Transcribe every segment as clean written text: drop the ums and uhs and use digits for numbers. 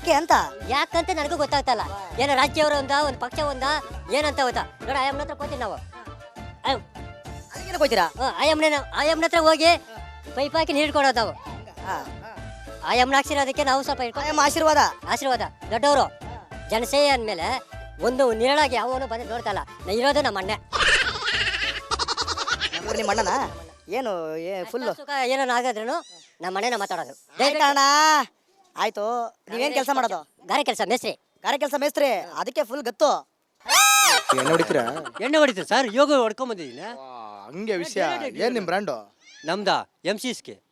ಯಾಕೆ ಅಂತ ಯಾಕಂತ ನನಗೂ ಗೊತ್ತಾಗ್ತಲ್ಲ. ಏನೋ ರಾಜ್ಯವರ ಒಂದು ಪಕ್ಷ ಏನಂತ ಗೊತ್ತಾ ನೋಡ. ಆಯಮ್ಮನ ಹತ್ರ ಹೋಗ್ತೀವಿ ನಾವು. ಅದಕ್ಕೆ ಹೋಗ್ತೀರಾ? ಆಯಮ್ಮನ ಹತ್ರ ಹೋಗಿ ಪೈಪ್ ಹಾಕಿ ನೀರು ಕೊಡೋದು ನಾವು. ಆಯಮ್ಮನ ಹಾಕ್ಸಿರೋದಕ್ಕೆ ನಾವು ಸ್ವಲ್ಪ ಆಶೀರ್ವಾದ ದೊಡ್ಡವರು ಜನಸೇವೆ ಅಂದಮೇಲೆ ಒಂದು ನೇರಳಾಗಿ ಅವನು ಬಂದು ನೋಡ್ತಲ್ಲ. ಇರೋದು ನಮ್ಮ ಅಣ್ಣ. ನಿಮ್ಮ ಅಣ್ಣನ ಏನು ಫುಲ್ ಏನೋ ಆಗಾದ್ರೂ ನಮ್ಮ ಅಣ್ಣನ ಮಾತಾಡೋದು. ಅಣ್ಣ ಆಯ್ತು. ನೀವೇನ್ ಕೆಲಸ ಮಾಡೋದು? ಗಾರೆ ಕೆಲಸ ಮೇಸ್ತ್ರಿ. ಅದಕ್ಕೆ ಫುಲ್ ಗತ್ತು. ಎಣ್ಣೆ ಹೊಡಿತೀರಾ? ಎಣ್ಣೆ ಹೊಡಿತೀರಿ ಸರ್. ಯೋಗ ಹೊಡ್ಕೊಂಡ್ ಬಂದಿದ್ದೀನಿ. ಹಂಗೆ ವಿಷಯ. ಏನ್ ನಿಮ್ ಬ್ರ್ಯಾಂಡು? ನಮ್ದಾ MC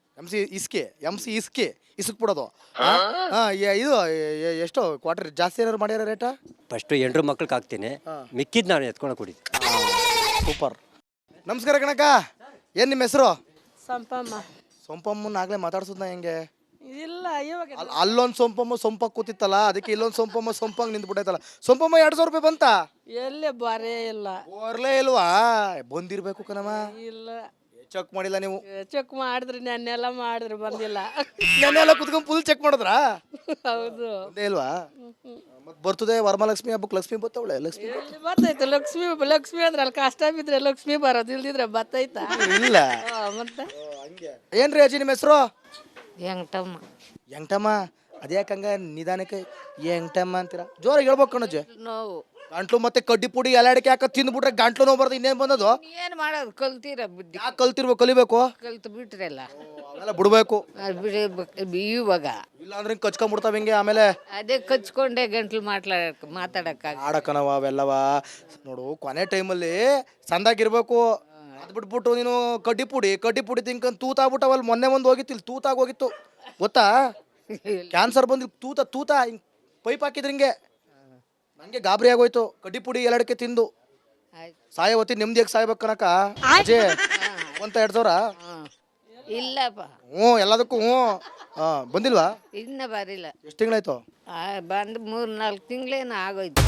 ಇಸ್ಕೆ ಇಸ್ಕ್ ಬಿಡೋದು. ಇದು ಎಷ್ಟು ಕ್ವಾರ್ಟರ್ ಜಾಸ್ತಿ ಏನಾರು ಮಾಡ್ಯಾರ ರೇಟ? ಫಸ್ಟ್ 8 ಮಕ್ಳಿಗೆ ಹಾಕ್ತೀನಿ, ಮಿಕ್ಕಿದ್ ನಾನು ಎತ್ಕೊಂಡು ಕುಡಿತೀನಿ. ಸೂಪರ್. ನಮಸ್ಕಾರ ಕಣಕ್ಕ. ಏನ್ ನಿಮ್ಮ ಹೆಸರು? ಸೊಂಪಮ್ಮನ ಆಗ್ಲೇ ಮಾತಾಡ್ಸೋದ್ನ ಹೆಂಗೆ? ಇಲ್ಲ ಇವಾಗ ಅಲ್ಲೊಂದು ಸೊಂಪಕ್ಕ ಕೂತಿತ್ತಲ್ಲ, ಅದಕ್ಕೆ ಇಲ್ಲೊಂದು ಸೊಂಪಂಗ್ ನಿಂತ್ಬಿಟ್ಟೈತಲ್ಲ. ಸೊಂಪಮ್ಮ 200 ರೂಪಾಯಿ ಬಂತ? ಎಲ್ಲೇ ಬರೇ ಇಲ್ಲ. ಬರ್ಲೇ ಇಲ್ವಾ? ಬಂದಿರ್ಬೇಕು ಕಣಮ್ಮ. ಇಲ್ಲ ಚೆಕ್ ಮಾಡಿಲ್ಲ ನೀವು? ಚೆಕ್ ಮಾಡಿದ್ರಿ, ನೆನ್ನೆಲ್ಲ ಮಾಡಿದ್ರಿ, ಬಂದಿಲ್ಲ. ನೆನ್ನೆಲ್ಲ ಕುತ್ಕೊಂಡ್ ಫುಲ್ ಚೆಕ್ ಮಾಡಿದ್ರಾ? ಹೌದು. ಬಂದೇ ಇಲ್ವಾ? ಮತ್ ಬರ್ತದೆ ವರಮಹಾಲಕ್ಷ್ಮಿ ಹಬ್ಬಕ್ಕೆ. ಲಕ್ಷ್ಮಿ ಬರ್ತವಳೆ. ಲಕ್ಷ್ಮಿ ಬರ್ತೈತೆ. ಲಕ್ಷ್ಮಿ ಅಂದ್ರೆ ಅಲ್ಲಿ ಕಷ್ಟ ಬಿದ್ರೆ ಲಕ್ಷ್ಮಿ ಬರೋದು, ಇಲ್ದಿದ್ರೆ ಬರ್ತೈತಾ? ಇಲ್ಲ. ಮತ್ತೆ ಏನ್ರಿ ಅಜ್ಜಿ ನಿಮ್ಮ ಹೆಸರು? ಎಂಟಮ್ಮ. ಅದ್ಯಾಕಂಗ ನಿಧಾನಕ್ಕೆ ಎಂಟಮ್ಮ ಅಂತೀರಾ? ಜೋರಾಗಿ ಹೇಳ್ಬೇಕು ಕಣಜ್ಜಿ. ನೋವು ಗಂಟ್ಲು ಮತ್ತೆ ಕಡ್ಡಿ ಪುಡಿ ಎಲಾಡಿಕೆ ಹಾಕ ತಿಂದ್ಬಿಟ್ರೆ ಗಂಟ್ಲು ನೋವು ಬರೋದು. ಇನ್ನೇನ್ ಬಂದದು? ಏನ್ ಮಾಡೋದು? ಕಲ್ತೀರ ಬುದ್ಧಿ. ಯಾಕೆ ಕಲಿಬೇಕು? ಕಲ್ತು ಬಿಟ್ರಲ್ಲ, ಅವೆಲ್ಲ ಬಿಡ್ಬೇಕು. ಇವಾಗ ಇಲ್ಲ ಅಂದ್ರೆ ಕಚ್ಕೊಂಡ್ಬಿಡ್ತಾವ ಹಿಂಗೆ. ಆಮೇಲೆ ಅದೇ ಕಚ್ಕೊಂಡೆ ಗಂಟ್ಲು ಮಾತಾಡಕ್ಕ ಆಡಕನವ ಅವೆಲ್ಲವ. ನೋಡು, ಕೊನೆ ಟೈಮಲ್ಲಿ ಸಂದಾಗಿರ್ಬೇಕು. ಅದ್ ಬಿಟ್ಬಿಟ್ಟು ನೀನು ಕಡ್ಡಿ ಪುಡಿ ತಿನ್ಕೊಂಡ್ ತೂತಾಗ್ಬಿಟ್ಟವಲ್ಲಿ. ಮೊನ್ನೆ ಒಂದು ಹೋಗಿತ್ತು, ಇಲ್ಲಿ ತೂತಾಗೋಗಿತ್ತು ಗೊತ್ತಾ? ಕ್ಯಾನ್ಸರ್ ಬಂದು ತೂತ ಹಿಂಗ್ ಪೈಪ್ ಹಾಕಿದ್ರು ಹಿಂಗೆ. ನಂಗೆ ಗಾಬರಿ ಆಗೋಯ್ತು. ಕಡ್ಡಿ ಪುಡಿ ಎಲ್ಲಡಕ್ಕೆ ತಿಂದು ಸಾಯವತ್ತಿ ನೆಮ್ಮದಿಯಾಗಿ ಸಾಯ್ಬೇಕು ಕನಕ. ಅಜೇ ಒಂತ 2,000? ಇಲ್ಲಪ್ಪ. ಎಲ್ಲದಕ್ಕೂ ಬಂದಿಲ್ವಾ? ಇನ್ನ ಬರಿಲ್ಲ. ಎಷ್ಟು ತಿಂಗಳಾಯ್ತು? ಬಂದು 3-4 ತಿಂಗಳೇನು ಆಗೋಯ್ತು.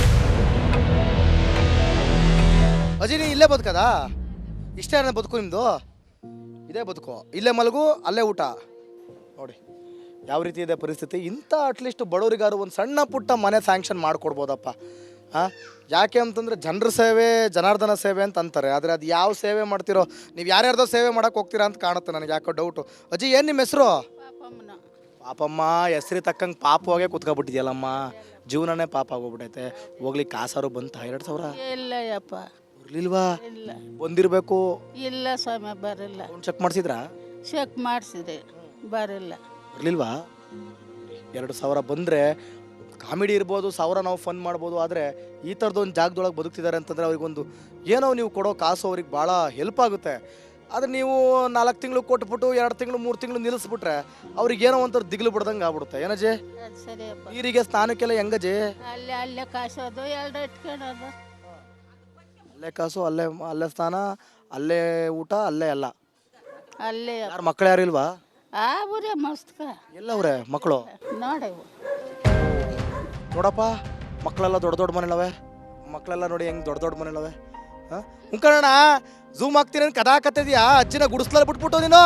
ಅಜಿ ನೀ ಇಲ್ಲೇ ಬದುಕದಾ? ಇಷ್ಟೇ ಬದುಕು ನಿಮ್ದು? ಇದೇ ಬದುಕು. ಇಲ್ಲೇ ಮಲಗು, ಅಲ್ಲೇ ಊಟ. ನೋಡಿ ಯಾವ ರೀತಿ ಇದೆ ಪರಿಸ್ಥಿತಿ. ಇಂಥ ಅಟ್ಲೀಸ್ಟ್ ಬಡವರಿಗಾರು ಒಂದು ಸಣ್ಣ ಪುಟ್ಟ ಮನೆ ಸ್ಯಾಂಕ್ಷನ್ ಮಾಡಿಕೊಡ್ಬೋದಪ್ಪ. ಯಾಕೆ ಅಂತಂದರೆ ಜನರ ಸೇವೆ ಜನಾರ್ದನ ಸೇವೆ ಅಂತ ಅಂತಾರೆ. ಆದರೆ ಅದು ಯಾವ ಸೇವೆ ಮಾಡ್ತಿರೋ, ನೀವು ಯಾರ್ಯಾರ್ದೋ ಸೇವೆ ಮಾಡೋಕೆ ಹೋಗ್ತೀರಾ ಅಂತ ಕಾಣುತ್ತೆ ನನಗೆ. ಯಾಕೋ ಡೌಟು. ಅಜ್ಜಿ ಏನು ನಿಮ್ಮ ಹೆಸರು? ಪಾಪಮ್ಮ. ಹೆಸ್ರಿ ತಕ್ಕಂಗೆ ಪಾಪವಾಗೇ ಕುತ್ಕೊಬಿಟ್ಟಿದ್ಯಲ್ಲಮ್ಮ. ಜೀವನನೇ ಪಾಪ ಆಗೋಗ್ಬಿಟ್ಟೈತೆ. ಹೋಗ್ಲಿಕ್ಕೆ ಕಾಸಾರು ಬಂತ? 2,000 ಇಲ್ಲ ಯಪ್ಪ. ಬರ್ಲಿಲ್ವಾ? ಇಲ್ಲ. ಬಂದಿರಬೇಕು. ಇಲ್ಲ ಸ್ವಾಮಿ, ಬರಲ್ಲ. ಚೆಕ್ ಮಾಡಿಸಿದ್ರಾ? ಚೆಕ್ ಮಾಡಿಸಿದೆ, ಬರಲ್ಲ. ಬರ್ಲಿಲ್ವಾ? 2,000 ಬಂದರೆ ಕಾಮಿಡಿ ಇರ್ಬೋದು, 1,000 ನಾವು ಫನ್ ಮಾಡ್ಬೋದು. ಆದರೆ ಈ ಥರದ್ದು ಒಂದು ಜಾಗದೊಳಗೆ ಬದುಕ್ತಿದ್ದಾರೆ ಅಂತಂದರೆ ಅವ್ರಿಗೊಂದು ಏನೋ ನೀವು ಕೊಡೋ ಕಾಸು ಅವ್ರಿಗೆ ಭಾಳ ಹೆಲ್ಪ್ ಆಗುತ್ತೆ. ಆದರೆ ನೀವು 4 ತಿಂಗಳು ಕೊಟ್ಬಿಟ್ಟು 2 ತಿಂಗಳು 3 ತಿಂಗಳು ನಿಲ್ಲಿಸ್ಬಿಟ್ರೆ ಅವ್ರಿಗೆ ಏನೋ ಒಂಥರ ದಿಗ್ಲು ಬಿಡ್ದಂಗೆ ಆಗ್ಬಿಡುತ್ತೆ. ಏನಜ್ಜಿ? ಸರಿಯಪ್ಪ. ನೀರಿಗೆ ಸ್ನಾನಕ್ಕೆಲ್ಲ ಹೆಂಗಜ್ಜಿ? ಅಲ್ಲೇ ಕಾಸೋದು, 2 ಇಟ್ಕೊಳ್ಳೋದು. ಅಲ್ಲೇ ಕಾಸು, ಅಲ್ಲೇ ಸ್ನಾನ, ಅಲ್ಲೇ ಊಟ, ಅಲ್ಲೇ ಎಲ್ಲ. ಅಲ್ಲೇ ಯಾರು ಮಕ್ಕಳು ಯಾರು ಇಲ್ವಾ? ಊರೇ ಮಸ್ತ್ಕ ಎಲ್ಲವ್ರೆ ಮಕ್ಕಳು? ನೋಡಿ ನೋಡಪ್ಪ, ಮಕ್ಕಳೆಲ್ಲ ದೊಡ್ಡ ಮನೆಗಳವೆ. ಮಕ್ಕಳೆಲ್ಲ ನೋಡಿ ಹೆಂಗೆ ದೊಡ್ಡ ಮನೆಗಳವೆ. ಮುಖಣ್ಣ ಝೂಮ್ ಆಗ್ತೀನಿ ಅಂತ ಕದಾಕತ್ತಿದ್ಯಾ? ಅಜ್ಜಿನ ಗುಡಿಸ್ಲಲ್ಲಿ ಬಿಟ್ಬಿಟ್ಟು ನೀನು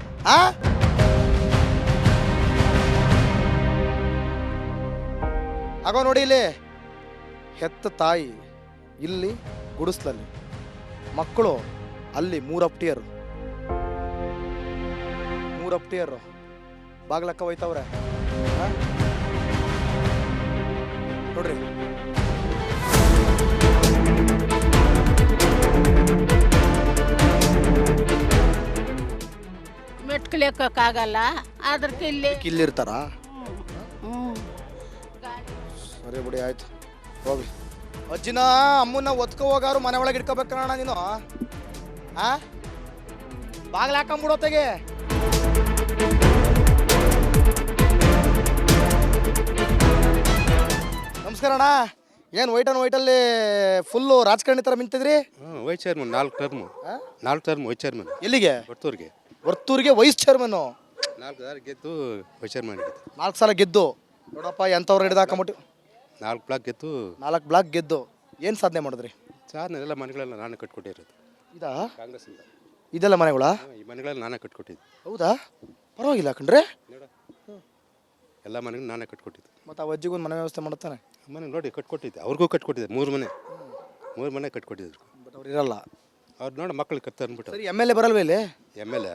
ಆಗೋ ನೋಡಿ. ಇಲ್ಲಿ ಹೆತ್ತ ತಾಯಿ, ಇಲ್ಲಿ ಗುಡಿಸ್ಲಲ್ಲಿ ಮಕ್ಕಳು, ಅಲ್ಲಿ 3 ಅಪ್ಟಿಯರು ಬಾಗ್ಲಕ್ಕ ಹೋಯ್ತವ್ರೆ ನೋಡ್ರಿ. ಮೆಟ್ಕಲಿಯಕ್ಕಾಗಲ್ಲ, ಅದಕ್ಕೆ ಇಲ್ಲಿರ್ತಾರ. ಸರಿ ಬಿಡಿ, ಆಯ್ತು ಹೋಗ್ಲಿ. ಅಜ್ಜಿನ ಅಮ್ಮನ ಒತ್ಕೊ ಹೋಗಾರು ಮನೆ ಒಳಗೆ ಇಟ್ಕೋಬೇಕಣ್ಣ ನೀನು. ಬಾಗ್ಲ ಹಾಕೊಂಬಿಡೋತೆಗೆ. ನಮಸ್ಕಾರ ಅಣ್ಣ. ಏನು ವೈಟಲ್ಲಿ ಫುಲ್ಲು ರಾಜಕಾರಣಿ ಥರ ಮಿಂತಿದ್ರಿ? Vice chairman 4 term vice chairman. ಎಲ್ಲಿಗೆ? ವರ್ತೂರಿಗೆ ವೈಸ್ ಚೇರ್ಮನ್ನು. 4 ಸಾಲ ಗೆದ್ದು ವೈಸ್ ಚೇರ್ಮನ್ ಆಗಿದ್ದು. 4 ಸಲ ಗೆದ್ದು ನೋಡಪ್ಪ ಎಂಥವ್ರು ಹಿಡಿದಾಕೊಂಬಿಟ್ಟು. 4 ಬ್ಲಾಕ್ ಗೆದ್ದು 4 ಬ್ಲಾಕ್ ಗೆದ್ದು ಏನು ಸಾಧನೆ ಮಾಡಿದ್ರಿ? ಸಾಧನೆ ಎಲ್ಲ ಮನೆಗಳೆಲ್ಲ ನಾನೇ ಕಟ್ಕೊಟ್ಟಿರೋದು. ಇದಾ ಕಾಂಗ್ರೆಸ್ಸಿಂದ ಇದೆಲ್ಲ ಮನೆಗಳ? ಈ ಮನೆಗಳೆಲ್ಲ ನಾನೇ ಕಟ್ಕೊಟ್ಟಿದ್ದು. ಹೌದಾ? ಪರವಾಗಿಲ್ಲ ಕಣ್ರೆ. ಎಲ್ಲ ಮನೆಗೂ ನಾನೇ ಕಟ್ಕೊಟ್ಟಿದ್ದೆ. ಮತ್ತು ಆ ಅಜ್ಜಿಗೊಂದು ಮನೆ ವ್ಯವಸ್ಥೆ ಮಾಡ್ತಾನೆ. ಮನೆ ನೋಡಿ ಕಟ್ಕೊಟ್ಟಿದ್ದೆ, ಅವ್ರಿಗೂ ಕಟ್ಕೊಟ್ಟಿದ್ದೆ. 3 ಮನೆ ಕಟ್ಕೊಟ್ಟಿದ್ರು. ಬಟ್ ಅವ್ರು ಇರಲ್ಲ. ಅವ್ರು ನೋಡಿ ಮಕ್ಳು ಕತ್ತ ಅಂದ್ಬಿಟ್ಟು. ಸರಿ ಎಮ್ ಎಲ್ ಎ ಬರಲ್ವ ಇಲ್ಲಿ? ಎಮ್ ಎಲ್ ಎ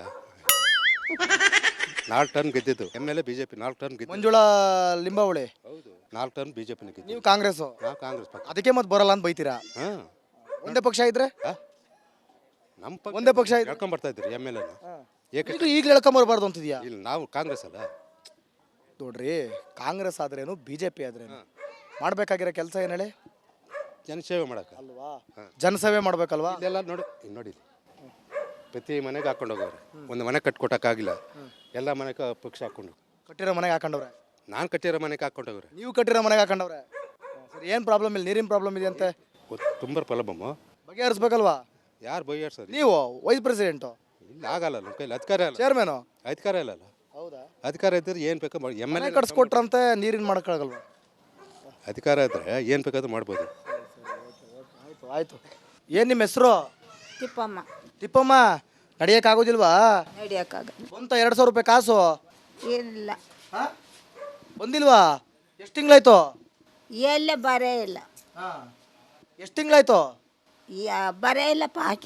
4 ಟರ್ಮ್ ಗೆದ್ದಿದ್ದು. M L A B J P 4 term ಗೆದ್ದು. ಮಂಜುಳಾ ಲಿಂಬಾವಳಿ. ಹೌದು, 4 ಟರ್ಮ್ ಬಿ ಜೆ ಪಿನ ಗೆದ್ದು. ನೀವು ಕಾಂಗ್ರೆಸ್ಸು. ನಾವು ಕಾಂಗ್ರೆಸ್ ಪಕ್ಷ. ಅದಕ್ಕೆ ಮತ್ತೆ ಬರಲ್ಲ ಅಂತ ಬೈತೀರಾ? ಹಾಂ, ಒಂದೇ ಪಕ್ಷ ಇದ್ರೆ ನಮ್ಮ ಪಕ್ಷ ಒಂದೇ ಪಕ್ಷ ಇದ್ರೆ ಹೇಳ್ಕೊಂಬರ್ತಾ ಇದ್ರು ಎಮ್ ಎಲ್ ಎನ. ಈಗಲೂ ಹೇಳ್ಕೊಂಬರ್ಬಾರ್ದು ಅಂತಿದ್ಯಾ? ಇಲ್ಲ, ನಾವು ಕಾಂಗ್ರೆಸ್ ಅಲ್ಲ. ನೋಡ್ರಿ, ಕಾಂಗ್ರೆಸ್ ಆದ್ರೇನು ಬಿ ಜೆ ಪಿ ಆದ್ರೇನು ಮಾಡ್ಬೇಕಾಗಿರೋ ಕೆಲಸ ಏನು ಹೇಳಿ? ಜನಸೇವೆ ಮಾಡೋಕೆ ಅಲ್ವಾ? ಜನಸೇವೆ ಮಾಡ್ಬೇಕಲ್ವಾ? ಇಲ್ಲೆಲ್ಲ ನೋಡಿ, ಇಲ್ಲಿ ನೋಡಿ, ಪ್ರತಿ ಮನೆಗೆ ಹಾಕೊಂಡು ಹೋಗೋರು. ಒಂದು ಮನೆ ಕಟ್ಕೊಟ್ಟಕ್ಕಾಗಿಲ್ಲ, ಎಲ್ಲ ಮನೆಗೆ ಪಕ್ಷ ಹಾಕೊಂಡು. ಕಟ್ಟಿರೋ ಮನೆಗೆ ಹಾಕೊಂಡವ್ರೆ. ನಾನು ಕಟ್ಟಿರೋ ಮನೆಗೆ ಹಾಕೊಂಡು ಹೋಗೋರು. ನೀವು ಕಟ್ಟಿರೋ ಮನೆಗೆ ಹಾಕೊಂಡವ್ರೆ. ಸರಿ, ಏನು ಪ್ರಾಬ್ಲಮ್ ಇಲ್ಲ? ನೀರಿನ ಪ್ರಾಬ್ಲಮ್ ಇದೆ ಅಂತೆ. ತುಂಬ ಪ್ರಾಬ್ಲಮ್ಮು. ಬಗೆಹರಿಸ್ಬೇಕಲ್ವಾ? ಯಾರು ಬೈಯಾಡ್ಸೋದು? ನೀವು ವೈಸ್ ಪ್ರೆಸಿಡೆಂಟು. ಇಲ್ಲ, ಆಗಲ್ಲ, ನಮ್ಮ ಕೈಲಿ ಅಧಿಕಾರ ಇಲ್ಲ. ಚೇರ್ಮನು. ಅಧಿಕಾರ ಇಲ್ಲಲ್ಲ. ಹೌದಾ? ಅಧಿಕಾರ ಇದ್ದರೆ ಏನು ಬೇಕೋ ಮಾಡಿ. ಎಮ್ ಎಲ್ ಎ ಕಟ್ಸ್ಕೊಟ್ರಂತೆ, ನೀರಿನ ಮಾಡೋಕ್ಕಾಗಲ್ವಾ? ಅಧಿಕಾರ ಇದ್ದರೆ ಏನು ಬೇಕಾದ್ರೂ ಮಾಡ್ಬೋದು. ಆಯ್ತು ಆಯ್ತು. ಏನು ನಿಮ್ಮ ಹೆಸರು? ತಿಪ್ಪಮ್ಮ. ತಿಪ್ಪಮ್ಮ, ನಡಿಯೋಕ್ಕಾಗೋದಿಲ್ವಾ? ನಡಿಯೋಕ್ಕಾಗ ಬಂತ 2,000 ರೂಪಾಯಿ ಕಾಸು? ಏನಿಲ್ಲ. ಹಾಂ, ಬಂದಿಲ್ವಾ? ಎಷ್ಟು ತಿಂಗಳಾಯ್ತು? ಎಲ್ಲ ಬರೇ ಇಲ್ಲ. ಹಾಂ, ಎಷ್ಟು ತಿಂಗಳಾಯ್ತು? ಬರೇ ಇಲ್ಲಪ್ಪ ಹಾಕಿ.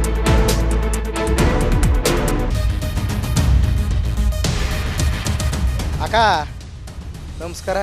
ಅಕ್ಕ ನಮಸ್ಕಾರ.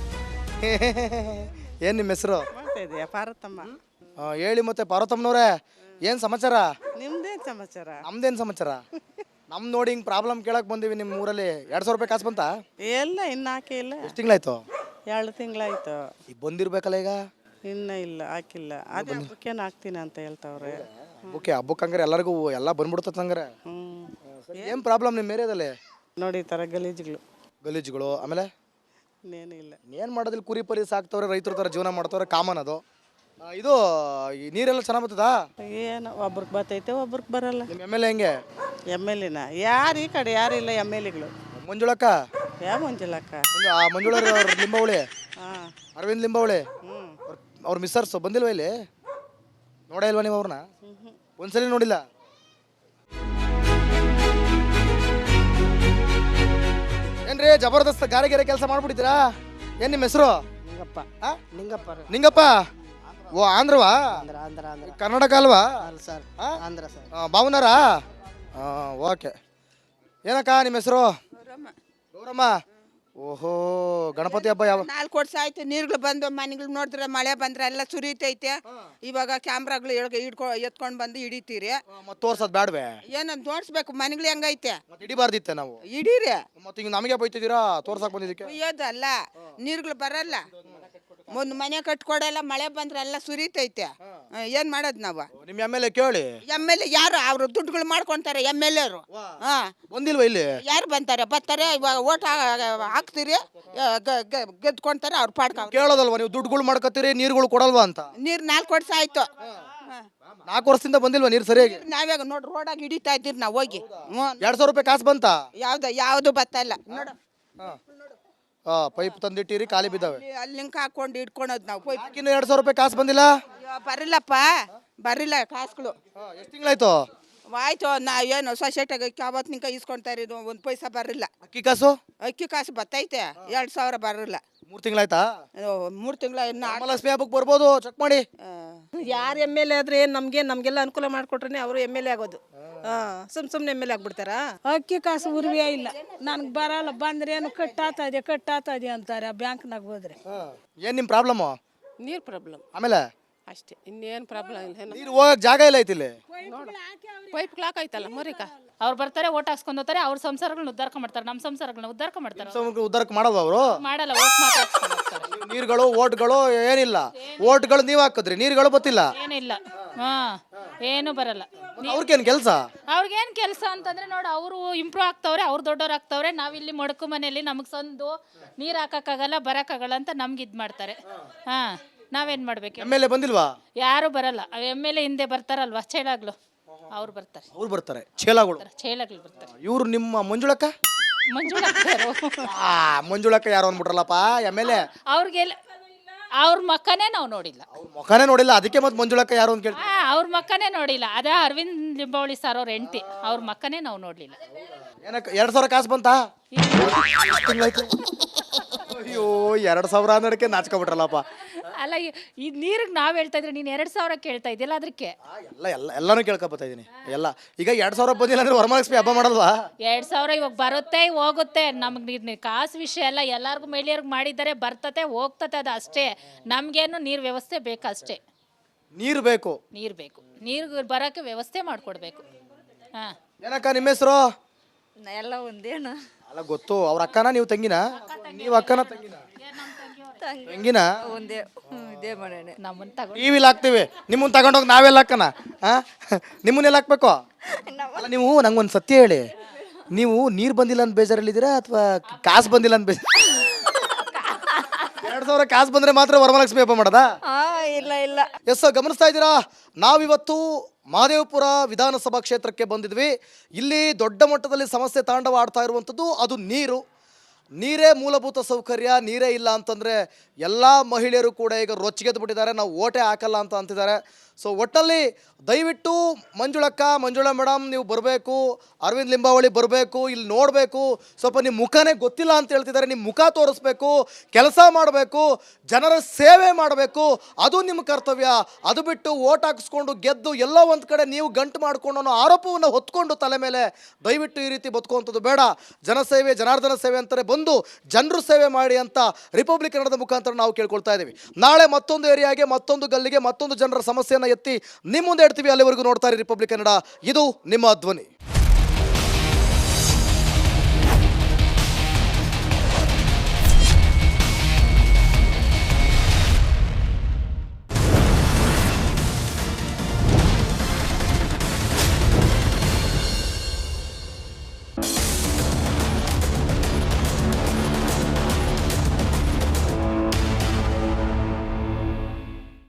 ಏನು ನಿಮ್ಮ ಹೆಸರು? ಪಾರ್ವತಮ್ಮ. ಹೇಳಿ ಮತ್ತೆ ಪಾರ್ವತಮ್ಮನವ್ರೆ, ಏನು ಸಮಾಚಾರ? ನಿಮ್ದೇನು ಸಮಾಚಾರ? ನಮ್ದೇನು ಸಮಾಚಾರ? ನಮ್ ನೋಡಿ ಹಿಂಗೆ ಪ್ರಾಬ್ಲಮ್ ಕೇಳಕ್ಕೆ ಬಂದೀವಿ ನಿಮ್ಮ ಊರಲ್ಲಿ. 2,000 ರೂಪಾಯಿ ಕಾಸು ಬಂತಾ? ಎಲ್ಲ ಇನ್ನು ಹಾಕಿಲ್ಲ. ಎಷ್ಟು ತಿಂಗಳಾಯ್ತು? 2 ತಿಂಗಳಾಯ್ತು. ಈಗ ಬಂದಿರ್ಬೇಕಲ್ಲ ಈಗ? ಇನ್ನು ಇಲ್ಲ, ಹಾಕಿಲ್ಲ. ಅದೇ ಹಬ್ಬಕ್ಕೇನು ಹಾಕ್ತೀನಿ ಅಂತ ಹೇಳ್ತಾವ್ರೆ. ಹಬ್ಬಕ್ಕೆ ಹಂಗಾರೆ ಎಲ್ಲರಿಗೂ ಎಲ್ಲ ಬಂದ್ಬಿಡ್ತದೆ ಹಂಗಾರೆ. ಏನು ಪ್ರಾಬ್ಲಮ್ ನಿಮ್ಮ ಏರಿಯಾದಲ್ಲಿ? ನೋಡಿ ಈ ಥರ ಗಲೀಜುಗಳು, ಆಮೇಲೆ ಇನ್ನೇನು ಇಲ್ಲ. ಏನು ಮಾಡೋದಿಲ್ಲ, ಕುರಿ ಪರಿ ಸಾಕ್ತವ್ರೆ, ರೈತರ ಥರ ಜೀವನ ಮಾಡ್ತವ್ರೆ, ಕಾಮನ್ ಅದು. ಇದು ಈ ನೀರೆಲ್ಲ ಚೆನ್ನಾಗಿ ಬರ್ತದಾ? ಏನು ಒಬ್ರಿಗೆ ಬರ್ತೈತೆ, ಒಬ್ರಿಗೆ ಬರಲ್ಲ. ನಿಮ್ಮ ಎಮ್ ಎಲ್ ಎ ಹೆಂಗೆ? ಎಮ್ ಎಲ್ ಎನ ಯಾರು ಈ ಕಡೆ ಯಾರು ಇಲ್ಲ. ಎಮ್ ಎಲ್ ಎಗಳು ಮಂಜುಳಕ್ಕ. ಯಾವ ಮಂಜುಳಕ್ಕ? ಮಂಜುಳ ಲಿಂಬಾವಳಿ, ಹಾಂ, ಅರವಿಂದ್ ಲಿಂಬಾವಳಿ. ಹ್ಞೂ. ಅವ್ರ ಮಿಸ್ಸರ್ಸ್ ಬಂದಿಲ್ವ ಇಲ್ಲಿ? ನೋಡೇ ಇಲ್ವಾ ನೀವು ಅವ್ರನ್ನ? ಒಂದ್ಸಲಿ ನೋಡಿಲ್ಲ? ಏನ್ರಿ ಜಬರ್ದಸ್ತ್ ಗಾರೆ ಕೆಲಸ ಮಾಡ್ಬಿಟ್ಟಿದ್ದೀರಾ? ಏನ್ ನಿಮ್ಮ ಹೆಸರು? ನಿಂಗಪ್ಪ. ಆ? ನಿಂಗಪ್ಪ. ನಿಂಗಪ್ಪ. ಓ, ಆಂಧ್ರವಾ? ಆಂಧ್ರ ಕರ್ನಾಟಕ ಅಲ್ವಾ? ಸರ್. ಆ? ಆಂಧ್ರ ಸರ್. ಭಾವನಾರಾ? ಓಕೆ. ಏನಕ್ಕ ನಿಮ್ಮ ಹೆಸರು? ಗೌರಮ್ಮ. ಓಹೋ, ಗಣಪತಿ ಹಬ್ಬ ಯಾವ? 4 ವರ್ಷ ಆಯ್ತು. ನೀರುಗಳು ಬಂದು ಮನೆಗಳು ನೋಡಿದ್ರೆ ಮಳೆ ಬಂದ್ರೆ ಎಲ್ಲ ಸುರಿತೈತೆ. ಇವಾಗ ಕ್ಯಾಮ್ರಾಗಳು ಎತ್ಕೊಂಡು ಬಂದು ಹಿಡಿತೀರಿ. ಮತ್ತೆ ತೋರ್ಸೋದು ಬೇಡವೆ? ಏನಂತ ತೋರಿಸ್ಬೇಕು, ಮನೆಗಳು ಹೆಂಗೈತೆ ಮತ್ತೆ ಹಿಡಿಬಾರ್ದಿತ್ತೆ ನಾವು? ಹಿಡೀರಿ. ಮತ್ತೆ ಈಗ ನಮಗೆ ಬೈತಿದ್ದೀರಾ ತೋರ್ಸಕ್ ಬಂದಿದ್ದಕ್ಕೆ? ಕುಯ್ಯೋದಲ್ಲ, ನೀರುಗಳು ಬರಲ್ಲ. ಒಂದು ಮನೆ ಕಟ್ಕೊಡಲ್ಲ, ಮಳೆ ಬಂದ್ರೆ ಎಲ್ಲ ಸುರಿತೈತೆ. ಏನ್ ಮಾಡೋದು ನಾವು? ನಿಮ್ಮ ಎಮ್ ಎಲ್ ಎ ಕೇಳಿ. ಎಮ್ ಎಲ್ ಎ ಯಾರು? ಅವರು ದುಡ್ಡುಗಳು ಮಾಡ್ಕೊಂತಾರೆ ಎಮ್ ಎಲ್ ಎರು. ಬಂದಿಲ್ವಾ ಇಲ್ಲಿ? ಯಾರು ಬರ್ತಾರೆ ಇವಾಗ ಓಟ್ ಹಾಕ್ತೀರಿ, ಗೆದ್ಕೊಂತಾರೆ ಅವ್ರ ಪಾಡ್ಕ. ಕೇಳೋದಲ್ವಾ ನೀವು? ದುಡ್ಡುಗಳು ಮಾಡ್ಕೊತೀರಿ, ನೀರುಗಳು ಕೊಡಲ್ವಾ ಅಂತ? ನೀರು 4 ವರ್ಷ ಆಯ್ತು. 4 ವರ್ಷದಿಂದ ಬಂದಿಲ್ವಾ ನೀರು ಸರಿಯಾಗಿ? ನಾವ್ಯಾಗ ನೋಡ್ರಿ ರೋಡಾಗಿ ಹಿಡಿತಾ ಇದ್ದೀರಿ ನಾವು ಹೋಗಿ. 2,000 ರೂಪಾಯಿ ಕಾಸು ಬಂತಾ? ಯಾವ್ದು ಬರ್ತಾ ಇಲ್ಲ ನೋಡು. ಪೈಪ್ ತಂದಿಟ್ಟಿರಿ, ಖಾಲಿ ಬಿದ್ದಾವೆ. ಅಲ್ಲಿ ಲಿಂಕ್ ಹಾಕೊಂಡು ಹಿಡ್ಕೊಳೋದು ನಾವು. ಪೈಪ್ ಇನ್ನು 2,000 ರೂಪಾಯಿ ಕಾಸು ಬಂದಿಲ್ಲ? ಬರಿಲ್ಲಪ್ಪ, ಬರಿಲ್ಲ ಕಾಸುಗಳು. ಎಷ್ಟು ತಿಂಗಳಾಯ್ತು? ಆಯ್ತು. ಏನು ಸೊಸೈಟಿಗೆ ಯಾವತ್ತು ನಿಂಕ ಇಸ್ಕೊಳ್ತಾ ಇರೋದು, 1 ಪೈಸಾ ಬರಿಲ್ಲ. ಅಕ್ಕಿ ಕಾಸು? ಅಕ್ಕಿ ಕಾಸು ಬರ್ತೈತೆ, 2,000 ಬರಲ್ಲ. 3 ತಿಂಗಳಾಯ್ತಾ? 3 ತಿಂಗಳ ಇನ್ನು ಲಕ್ಷ್ಮಿ ಹಬ್ಬಕ್ಕೆ ಬರ್ಬೋದು, ಚೆಕ್ ಮಾಡಿ. ಯಾರು ಎಮ್ ಎಲ್ ಎ ಆದ್ರೆ ನಮಗೆಲ್ಲ ಅನುಕೂಲ ಮಾಡಿಕೊಟ್ರೆ ಅವರು ಎಮ್ ಎಲ್ ಎ ಆಗೋದು. ಸುಮ್ಮನೆ ಎಮ್ ಎಲ್ ಎ ಆಗ್ಬಿಡ್ತಾರಾ? ಅಕ್ಕಿ ಕಾಸು ಉರ್ವೇ ಇಲ್ಲ. ನನಗೆ ಬರಲ್ಲ. ಬಂದ್ರೆ ಏನು ಕಟ್ಟಾತಾ ಇದೆ ಅಂತಾರೆ ಬ್ಯಾಂಕ್ನಾಗ ಹೋದ್ರೆ. ಏನ್ ನಿಮ್ ಪ್ರಾಬ್ಲಮ್? ನೀರು ಪ್ರಾಬ್ಲಮ್ ಆಮೇಲೆ ಅಷ್ಟೇ, ಇನ್ನೇನು ಪ್ರಾಬ್ಲಮ್ ಇಲ್ಲ. ನೀರು ಹೋಗಕ್ ಜಾಗ ಇಲ್ಲ ಐತಿ ಇಲ್ಲಿ. ಪೈಪ್ ಕ್ಲಾಕ್ ಆಯ್ತಲ್ಲ ಮರಿಕ. ಅವ್ರು ಬರ್ತಾರೆ, ಓಟ್ ಹಾಕ್ಸ್ಕೊಂಡು ಹೋಗ್ತಾರೆ, ಅವ್ರ ಸಂಸಾರಗಳನ್ನ ಉದ್ಧಾರ ಮಾಡ್ತಾರೆ, ನಮ್ಮ ಸಂಸಾರಗಳನ್ನ ಉದ್ಧಾರ ಮಾಡ್ತಾರೆ. ಉದ್ದಾರಕ್ಕೆ ಮಾಡೋದು ಅವರು ಮಾಡಲ್ಲ, ಓಟ್ ಮಾತ್ರ ಹಾಕ್ಸ್ಕೊಂಡು ಹೋಗ್ತಾರೆ. ನೀರುಗಳು ಓಟ್ಗಳು ಏನಿಲ್ಲ. ಓಟ್ಗಳು ನೀವ್ ಹಾಕಿದ್ರಿ, ನೀರುಗಳು ಗೊತ್ತಿಲ್ಲ. ಏನಿಲ್ಲ, ಏನು ಬರಲ್ಲ. ಅವ್ರಿಗೇನ್ ಕೆಲಸ? ಅವ್ರಿಗೇನ್ ಕೆಲಸ ಅಂತಂದ್ರೆ ನೋಡು, ಅವರು ಇಂಪ್ರೂವ್ ಆಗ್ತವ್ರೆ, ಅವ್ರು ದೊಡ್ಡವ್ರು ಆಗ್ತವ್ರೆ. ನಾವಿಲ್ಲಿ ಮೊಡಕು ಮನೆಯಲ್ಲಿ ನಮಗೆ ಸಂದು ನೀರು ಹಾಕಕ್ಕಾಗಲ್ಲ, ಬರಕ್ಕಾಗಲ್ಲ ಅಂತ ನಮ್ಗೆ ಇದ್ ಮಾಡ್ತಾರೆ. ನಾವೇನ್ ಮಾಡ್ಬೇಕು? ಎಮ್ ಎಲ್ ಎ ಬಂದಿಲ್ವಾ? ಯಾರು ಬರಲ್ಲ. ಎಮ್ ಎಲ್ ಎ ಹಿಂದೆ ಬರ್ತಾರಲ್ವಾ, ಚೇಳಾಗ್ಲು, ಅವ್ರು ಬರ್ತಾರೆ. ಅವ್ರು ಬರ್ತಾರೆ, ಚೇಲಾಗಳು ಬರ್ತಾರೆ. ಇವ್ರು ನಿಮ್ಮ ಮಂಜುಳಕ್ಕ? ಮಂಜುಳಕ್ಕ ಯಾರು ಅಂದ್ಬಿಟ್ರಲ್ಲಪ್ಪ ಎಮ್ ಎಲ್ ಎ. ಅವ್ರಿಗೆಲ್ಲ ಅವ್ರ ಮಕ್ಕನೇ ನಾವು ನೋಡಿಲ್ಲ. ಮುಖನೇ ನೋಡಿಲ್ಲ, ಅದಕ್ಕೆ ಮತ್ತೆ ಮಂಜುಳಕ್ಕ ಯಾರು ಅಂತ ಕೇಳಿ. ಅವ್ರ ಮಕ್ಕನೇ ನೋಡಿಲ್ಲ. ಅದೇ ಅರವಿಂದ್ ಲಿಂಬಾವಳಿ ಸರ್ ಅವ್ರ ಹೆಂಡತಿ, ಅವ್ರ ಮಕ್ಕನೇ ನಾವು ನೋಡ್ಲಿಲ್ಲ. ಏನಕ್ಕ 2,000 ಕಾಸು ಬಂತಾ? ತಿಂಗಳಾಯ್ತು. 2,000 ಅನ್ನೋದಕ್ಕೆ ನಾಚ್ಕೊಬಿಟ್ರಲ್ಲಪ್ಪ. ಅಲ್ಲ ಈ ನೀರಿಗೆ ನಾವು ಹೇಳ್ತಾ ಇದ್ರೆ ನೀನು 2,000 ಕೇಳ್ತಾ ಇದೆಯಲ್ಲ ಅದಕ್ಕೆ. ಎಲ್ಲಾನು ಕೇಳ್ಕೊಬತ್ತಾ ಇದೀನಿ ಎಲ್ಲ. ಈಗ 2,000 ಬಂದಿಲ್ಲ ಅಂದ್ರೆ ವರಮಹಾಲಕ್ಷ್ಮಿ ಹಬ್ಬ ಮಾಡಲ್ವಾ? 2,000 ಇವಾಗ ಬರುತ್ತೆ ಹೋಗುತ್ತೆ. ನಮಗೆ ಕಾಸು ವಿಷಯ ಎಲ್ಲ ಎಲ್ಲರಿಗೂ ಮಹಿಳೆಯರ್ಗೆ ಮಾಡಿದ್ದಾರೆ, ಬರ್ತತೆ ಹೋಗ್ತತೆ, ಅದು ಅಷ್ಟೇ. ನಮಗೇನು ನೀರು ವ್ಯವಸ್ಥೆ ಬೇಕಷ್ಟೇ. ನೀರು ಬೇಕು. ನೀರು ಬರೋಕ್ಕೆ ವ್ಯವಸ್ಥೆ ಮಾಡಿಕೊಡ್ಬೇಕು. ಹಾಂ. ಏನಕ್ಕ ನಿಮ್ಮ ಹೆಸರು? ಎಲ್ಲ ಒಂದೇನು ಅಲ್ಲ ಗೊತ್ತು. ಅವ್ರ ಅಕ್ಕನ ನೀವು ತಂಗಿನ? ನೀವು ಅಕ್ಕನ ತಂಗಿನ? ಒಂದೇ ಇದೇ ಮಾಡೋಣ. ನಮ್ಮನ್ನ ತಗೊಂಡು ಟಿವಿಲಿ ಹಾಕ್ತೀವಿ, ನಿಮ್ಮನ್ನ ತಗೊಂಡೋಗಿ ನಾವೆಲ್ಲ ಹಾಕನ? ನಿಮ್ಮನ್ನೆಲ್ಲ ಹಾಕ್ಬೇಕು? ಅಲ್ಲ ನೀವು ನಂಗೊಂದು ಸತ್ಯ ಹೇಳಿ, ನೀವು ನೀರು ಬಂದಿಲ್ಲ ಅಂತ ಬೇಜಾರಲ್ಲಿದ್ದೀರಾ ಅಥವಾ ಕಾಸು ಬಂದಿಲ್ಲ ಅಂತ ಬೇಜಾರ? 2,000 ಕಾಸು ಬಂದ್ರೆ ಮಾತ್ರ ವರಮಹಾಲಕ್ಷ್ಮಿ ಹಬ್ಬ ಮಾಡೋದಾ? ಇಲ್ಲ ಎಸ್, ಗಮನಿಸ್ತಾ ಇದ್ದೀರಾ, ನಾವಿವತ್ತು ಮಹದೇವಪುರ ವಿಧಾನಸಭಾ ಕ್ಷೇತ್ರಕ್ಕೆ ಬಂದಿದ್ವಿ. ಇಲ್ಲಿ ದೊಡ್ಡ ಮಟ್ಟದಲ್ಲಿ ಸಮಸ್ಯೆ ತಾಂಡವ ಆಡ್ತಾ ಇರುವಂಥದ್ದು ಅದು ನೀರು. ನೀರೇ ಮೂಲಭೂತ ಸೌಕರ್ಯ. ನೀರೇ ಇಲ್ಲ ಅಂತಂದರೆ ಎಲ್ಲ ಮಹಿಳೆಯರು ಕೂಡ ಈಗ ರೊಚ್ಚಿಗೆದ್ದು ಬಿಟ್ಟಿದ್ದಾರೆ, ನಾವು ಓಟೇ ಹಾಕಲ್ಲ ಅಂತ ಅಂತಿದ್ದಾರೆ. ಸೊ ಒಟ್ಟಲ್ಲಿ ದಯವಿಟ್ಟು ಮಂಜುಳಾ ಮೇಡಮ್ ನೀವು ಬರಬೇಕು, ಅರವಿಂದ್ ಲಿಂಬಾವಳಿ ಬರಬೇಕು, ಇಲ್ಲಿ ನೋಡಬೇಕು. ಸ್ವಲ್ಪ ನಿಮ್ಮ ಮುಖನೇ ಗೊತ್ತಿಲ್ಲ ಅಂತ ಹೇಳ್ತಿದ್ದಾರೆ, ನಿಮ್ಮ ಮುಖ ತೋರಿಸ್ಬೇಕು, ಕೆಲಸ ಮಾಡಬೇಕು, ಜನರ ಸೇವೆ ಮಾಡಬೇಕು, ಅದು ನಿಮ್ಮ ಕರ್ತವ್ಯ. ಅದು ಬಿಟ್ಟು ಓಟ್ ಹಾಕಿಸ್ಕೊಂಡು ಗೆದ್ದು ಎಲ್ಲೋ ಒಂದು ಕಡೆ ನೀವು ಗಂಟು ಮಾಡಿಕೊಂಡು ಅನ್ನೋ ಆರೋಪವನ್ನು ಹೊತ್ಕೊಂಡು ತಲೆ ಮೇಲೆ ದಯವಿಟ್ಟು ಈ ರೀತಿ ಬದುಕುವಂಥದ್ದು ಬೇಡ. ಜನಸೇವೆ ಜನಾರ್ದನ ಸೇವೆ ಅಂತಾರೆ, ಬಂದು ಜನರು ಸೇವೆ ಮಾಡಿ ಅಂತ ರಿಪಬ್ಲಿಕ್ ಕನ್ನಡದ ಮುಖಾಂತರ ನಾವು ಕೇಳ್ಕೊಳ್ತಾ ಇದ್ದೀವಿ. ನಾಳೆ ಮತ್ತೊಂದು ಏರಿಯಾಗೆ, ಮತ್ತೊಂದು ಗಲ್ಲಿಗೆ, ಮತ್ತೊಂದು ಜನರ ಸಮಸ್ಯೆಯನ್ನು ಎತ್ತಿ ನಿಮ್ಮ ಮುಂದೆ ಇಡ್ತೀವಿ. ಅಲ್ಲಿವರೆಗೂ ನೋಡ್ತಾರೆ ರಿಪಬ್ಲಿಕ್ ಕನ್ನಡ. ಇದು ನಿಮ್ಮ ಧ್ವನಿ.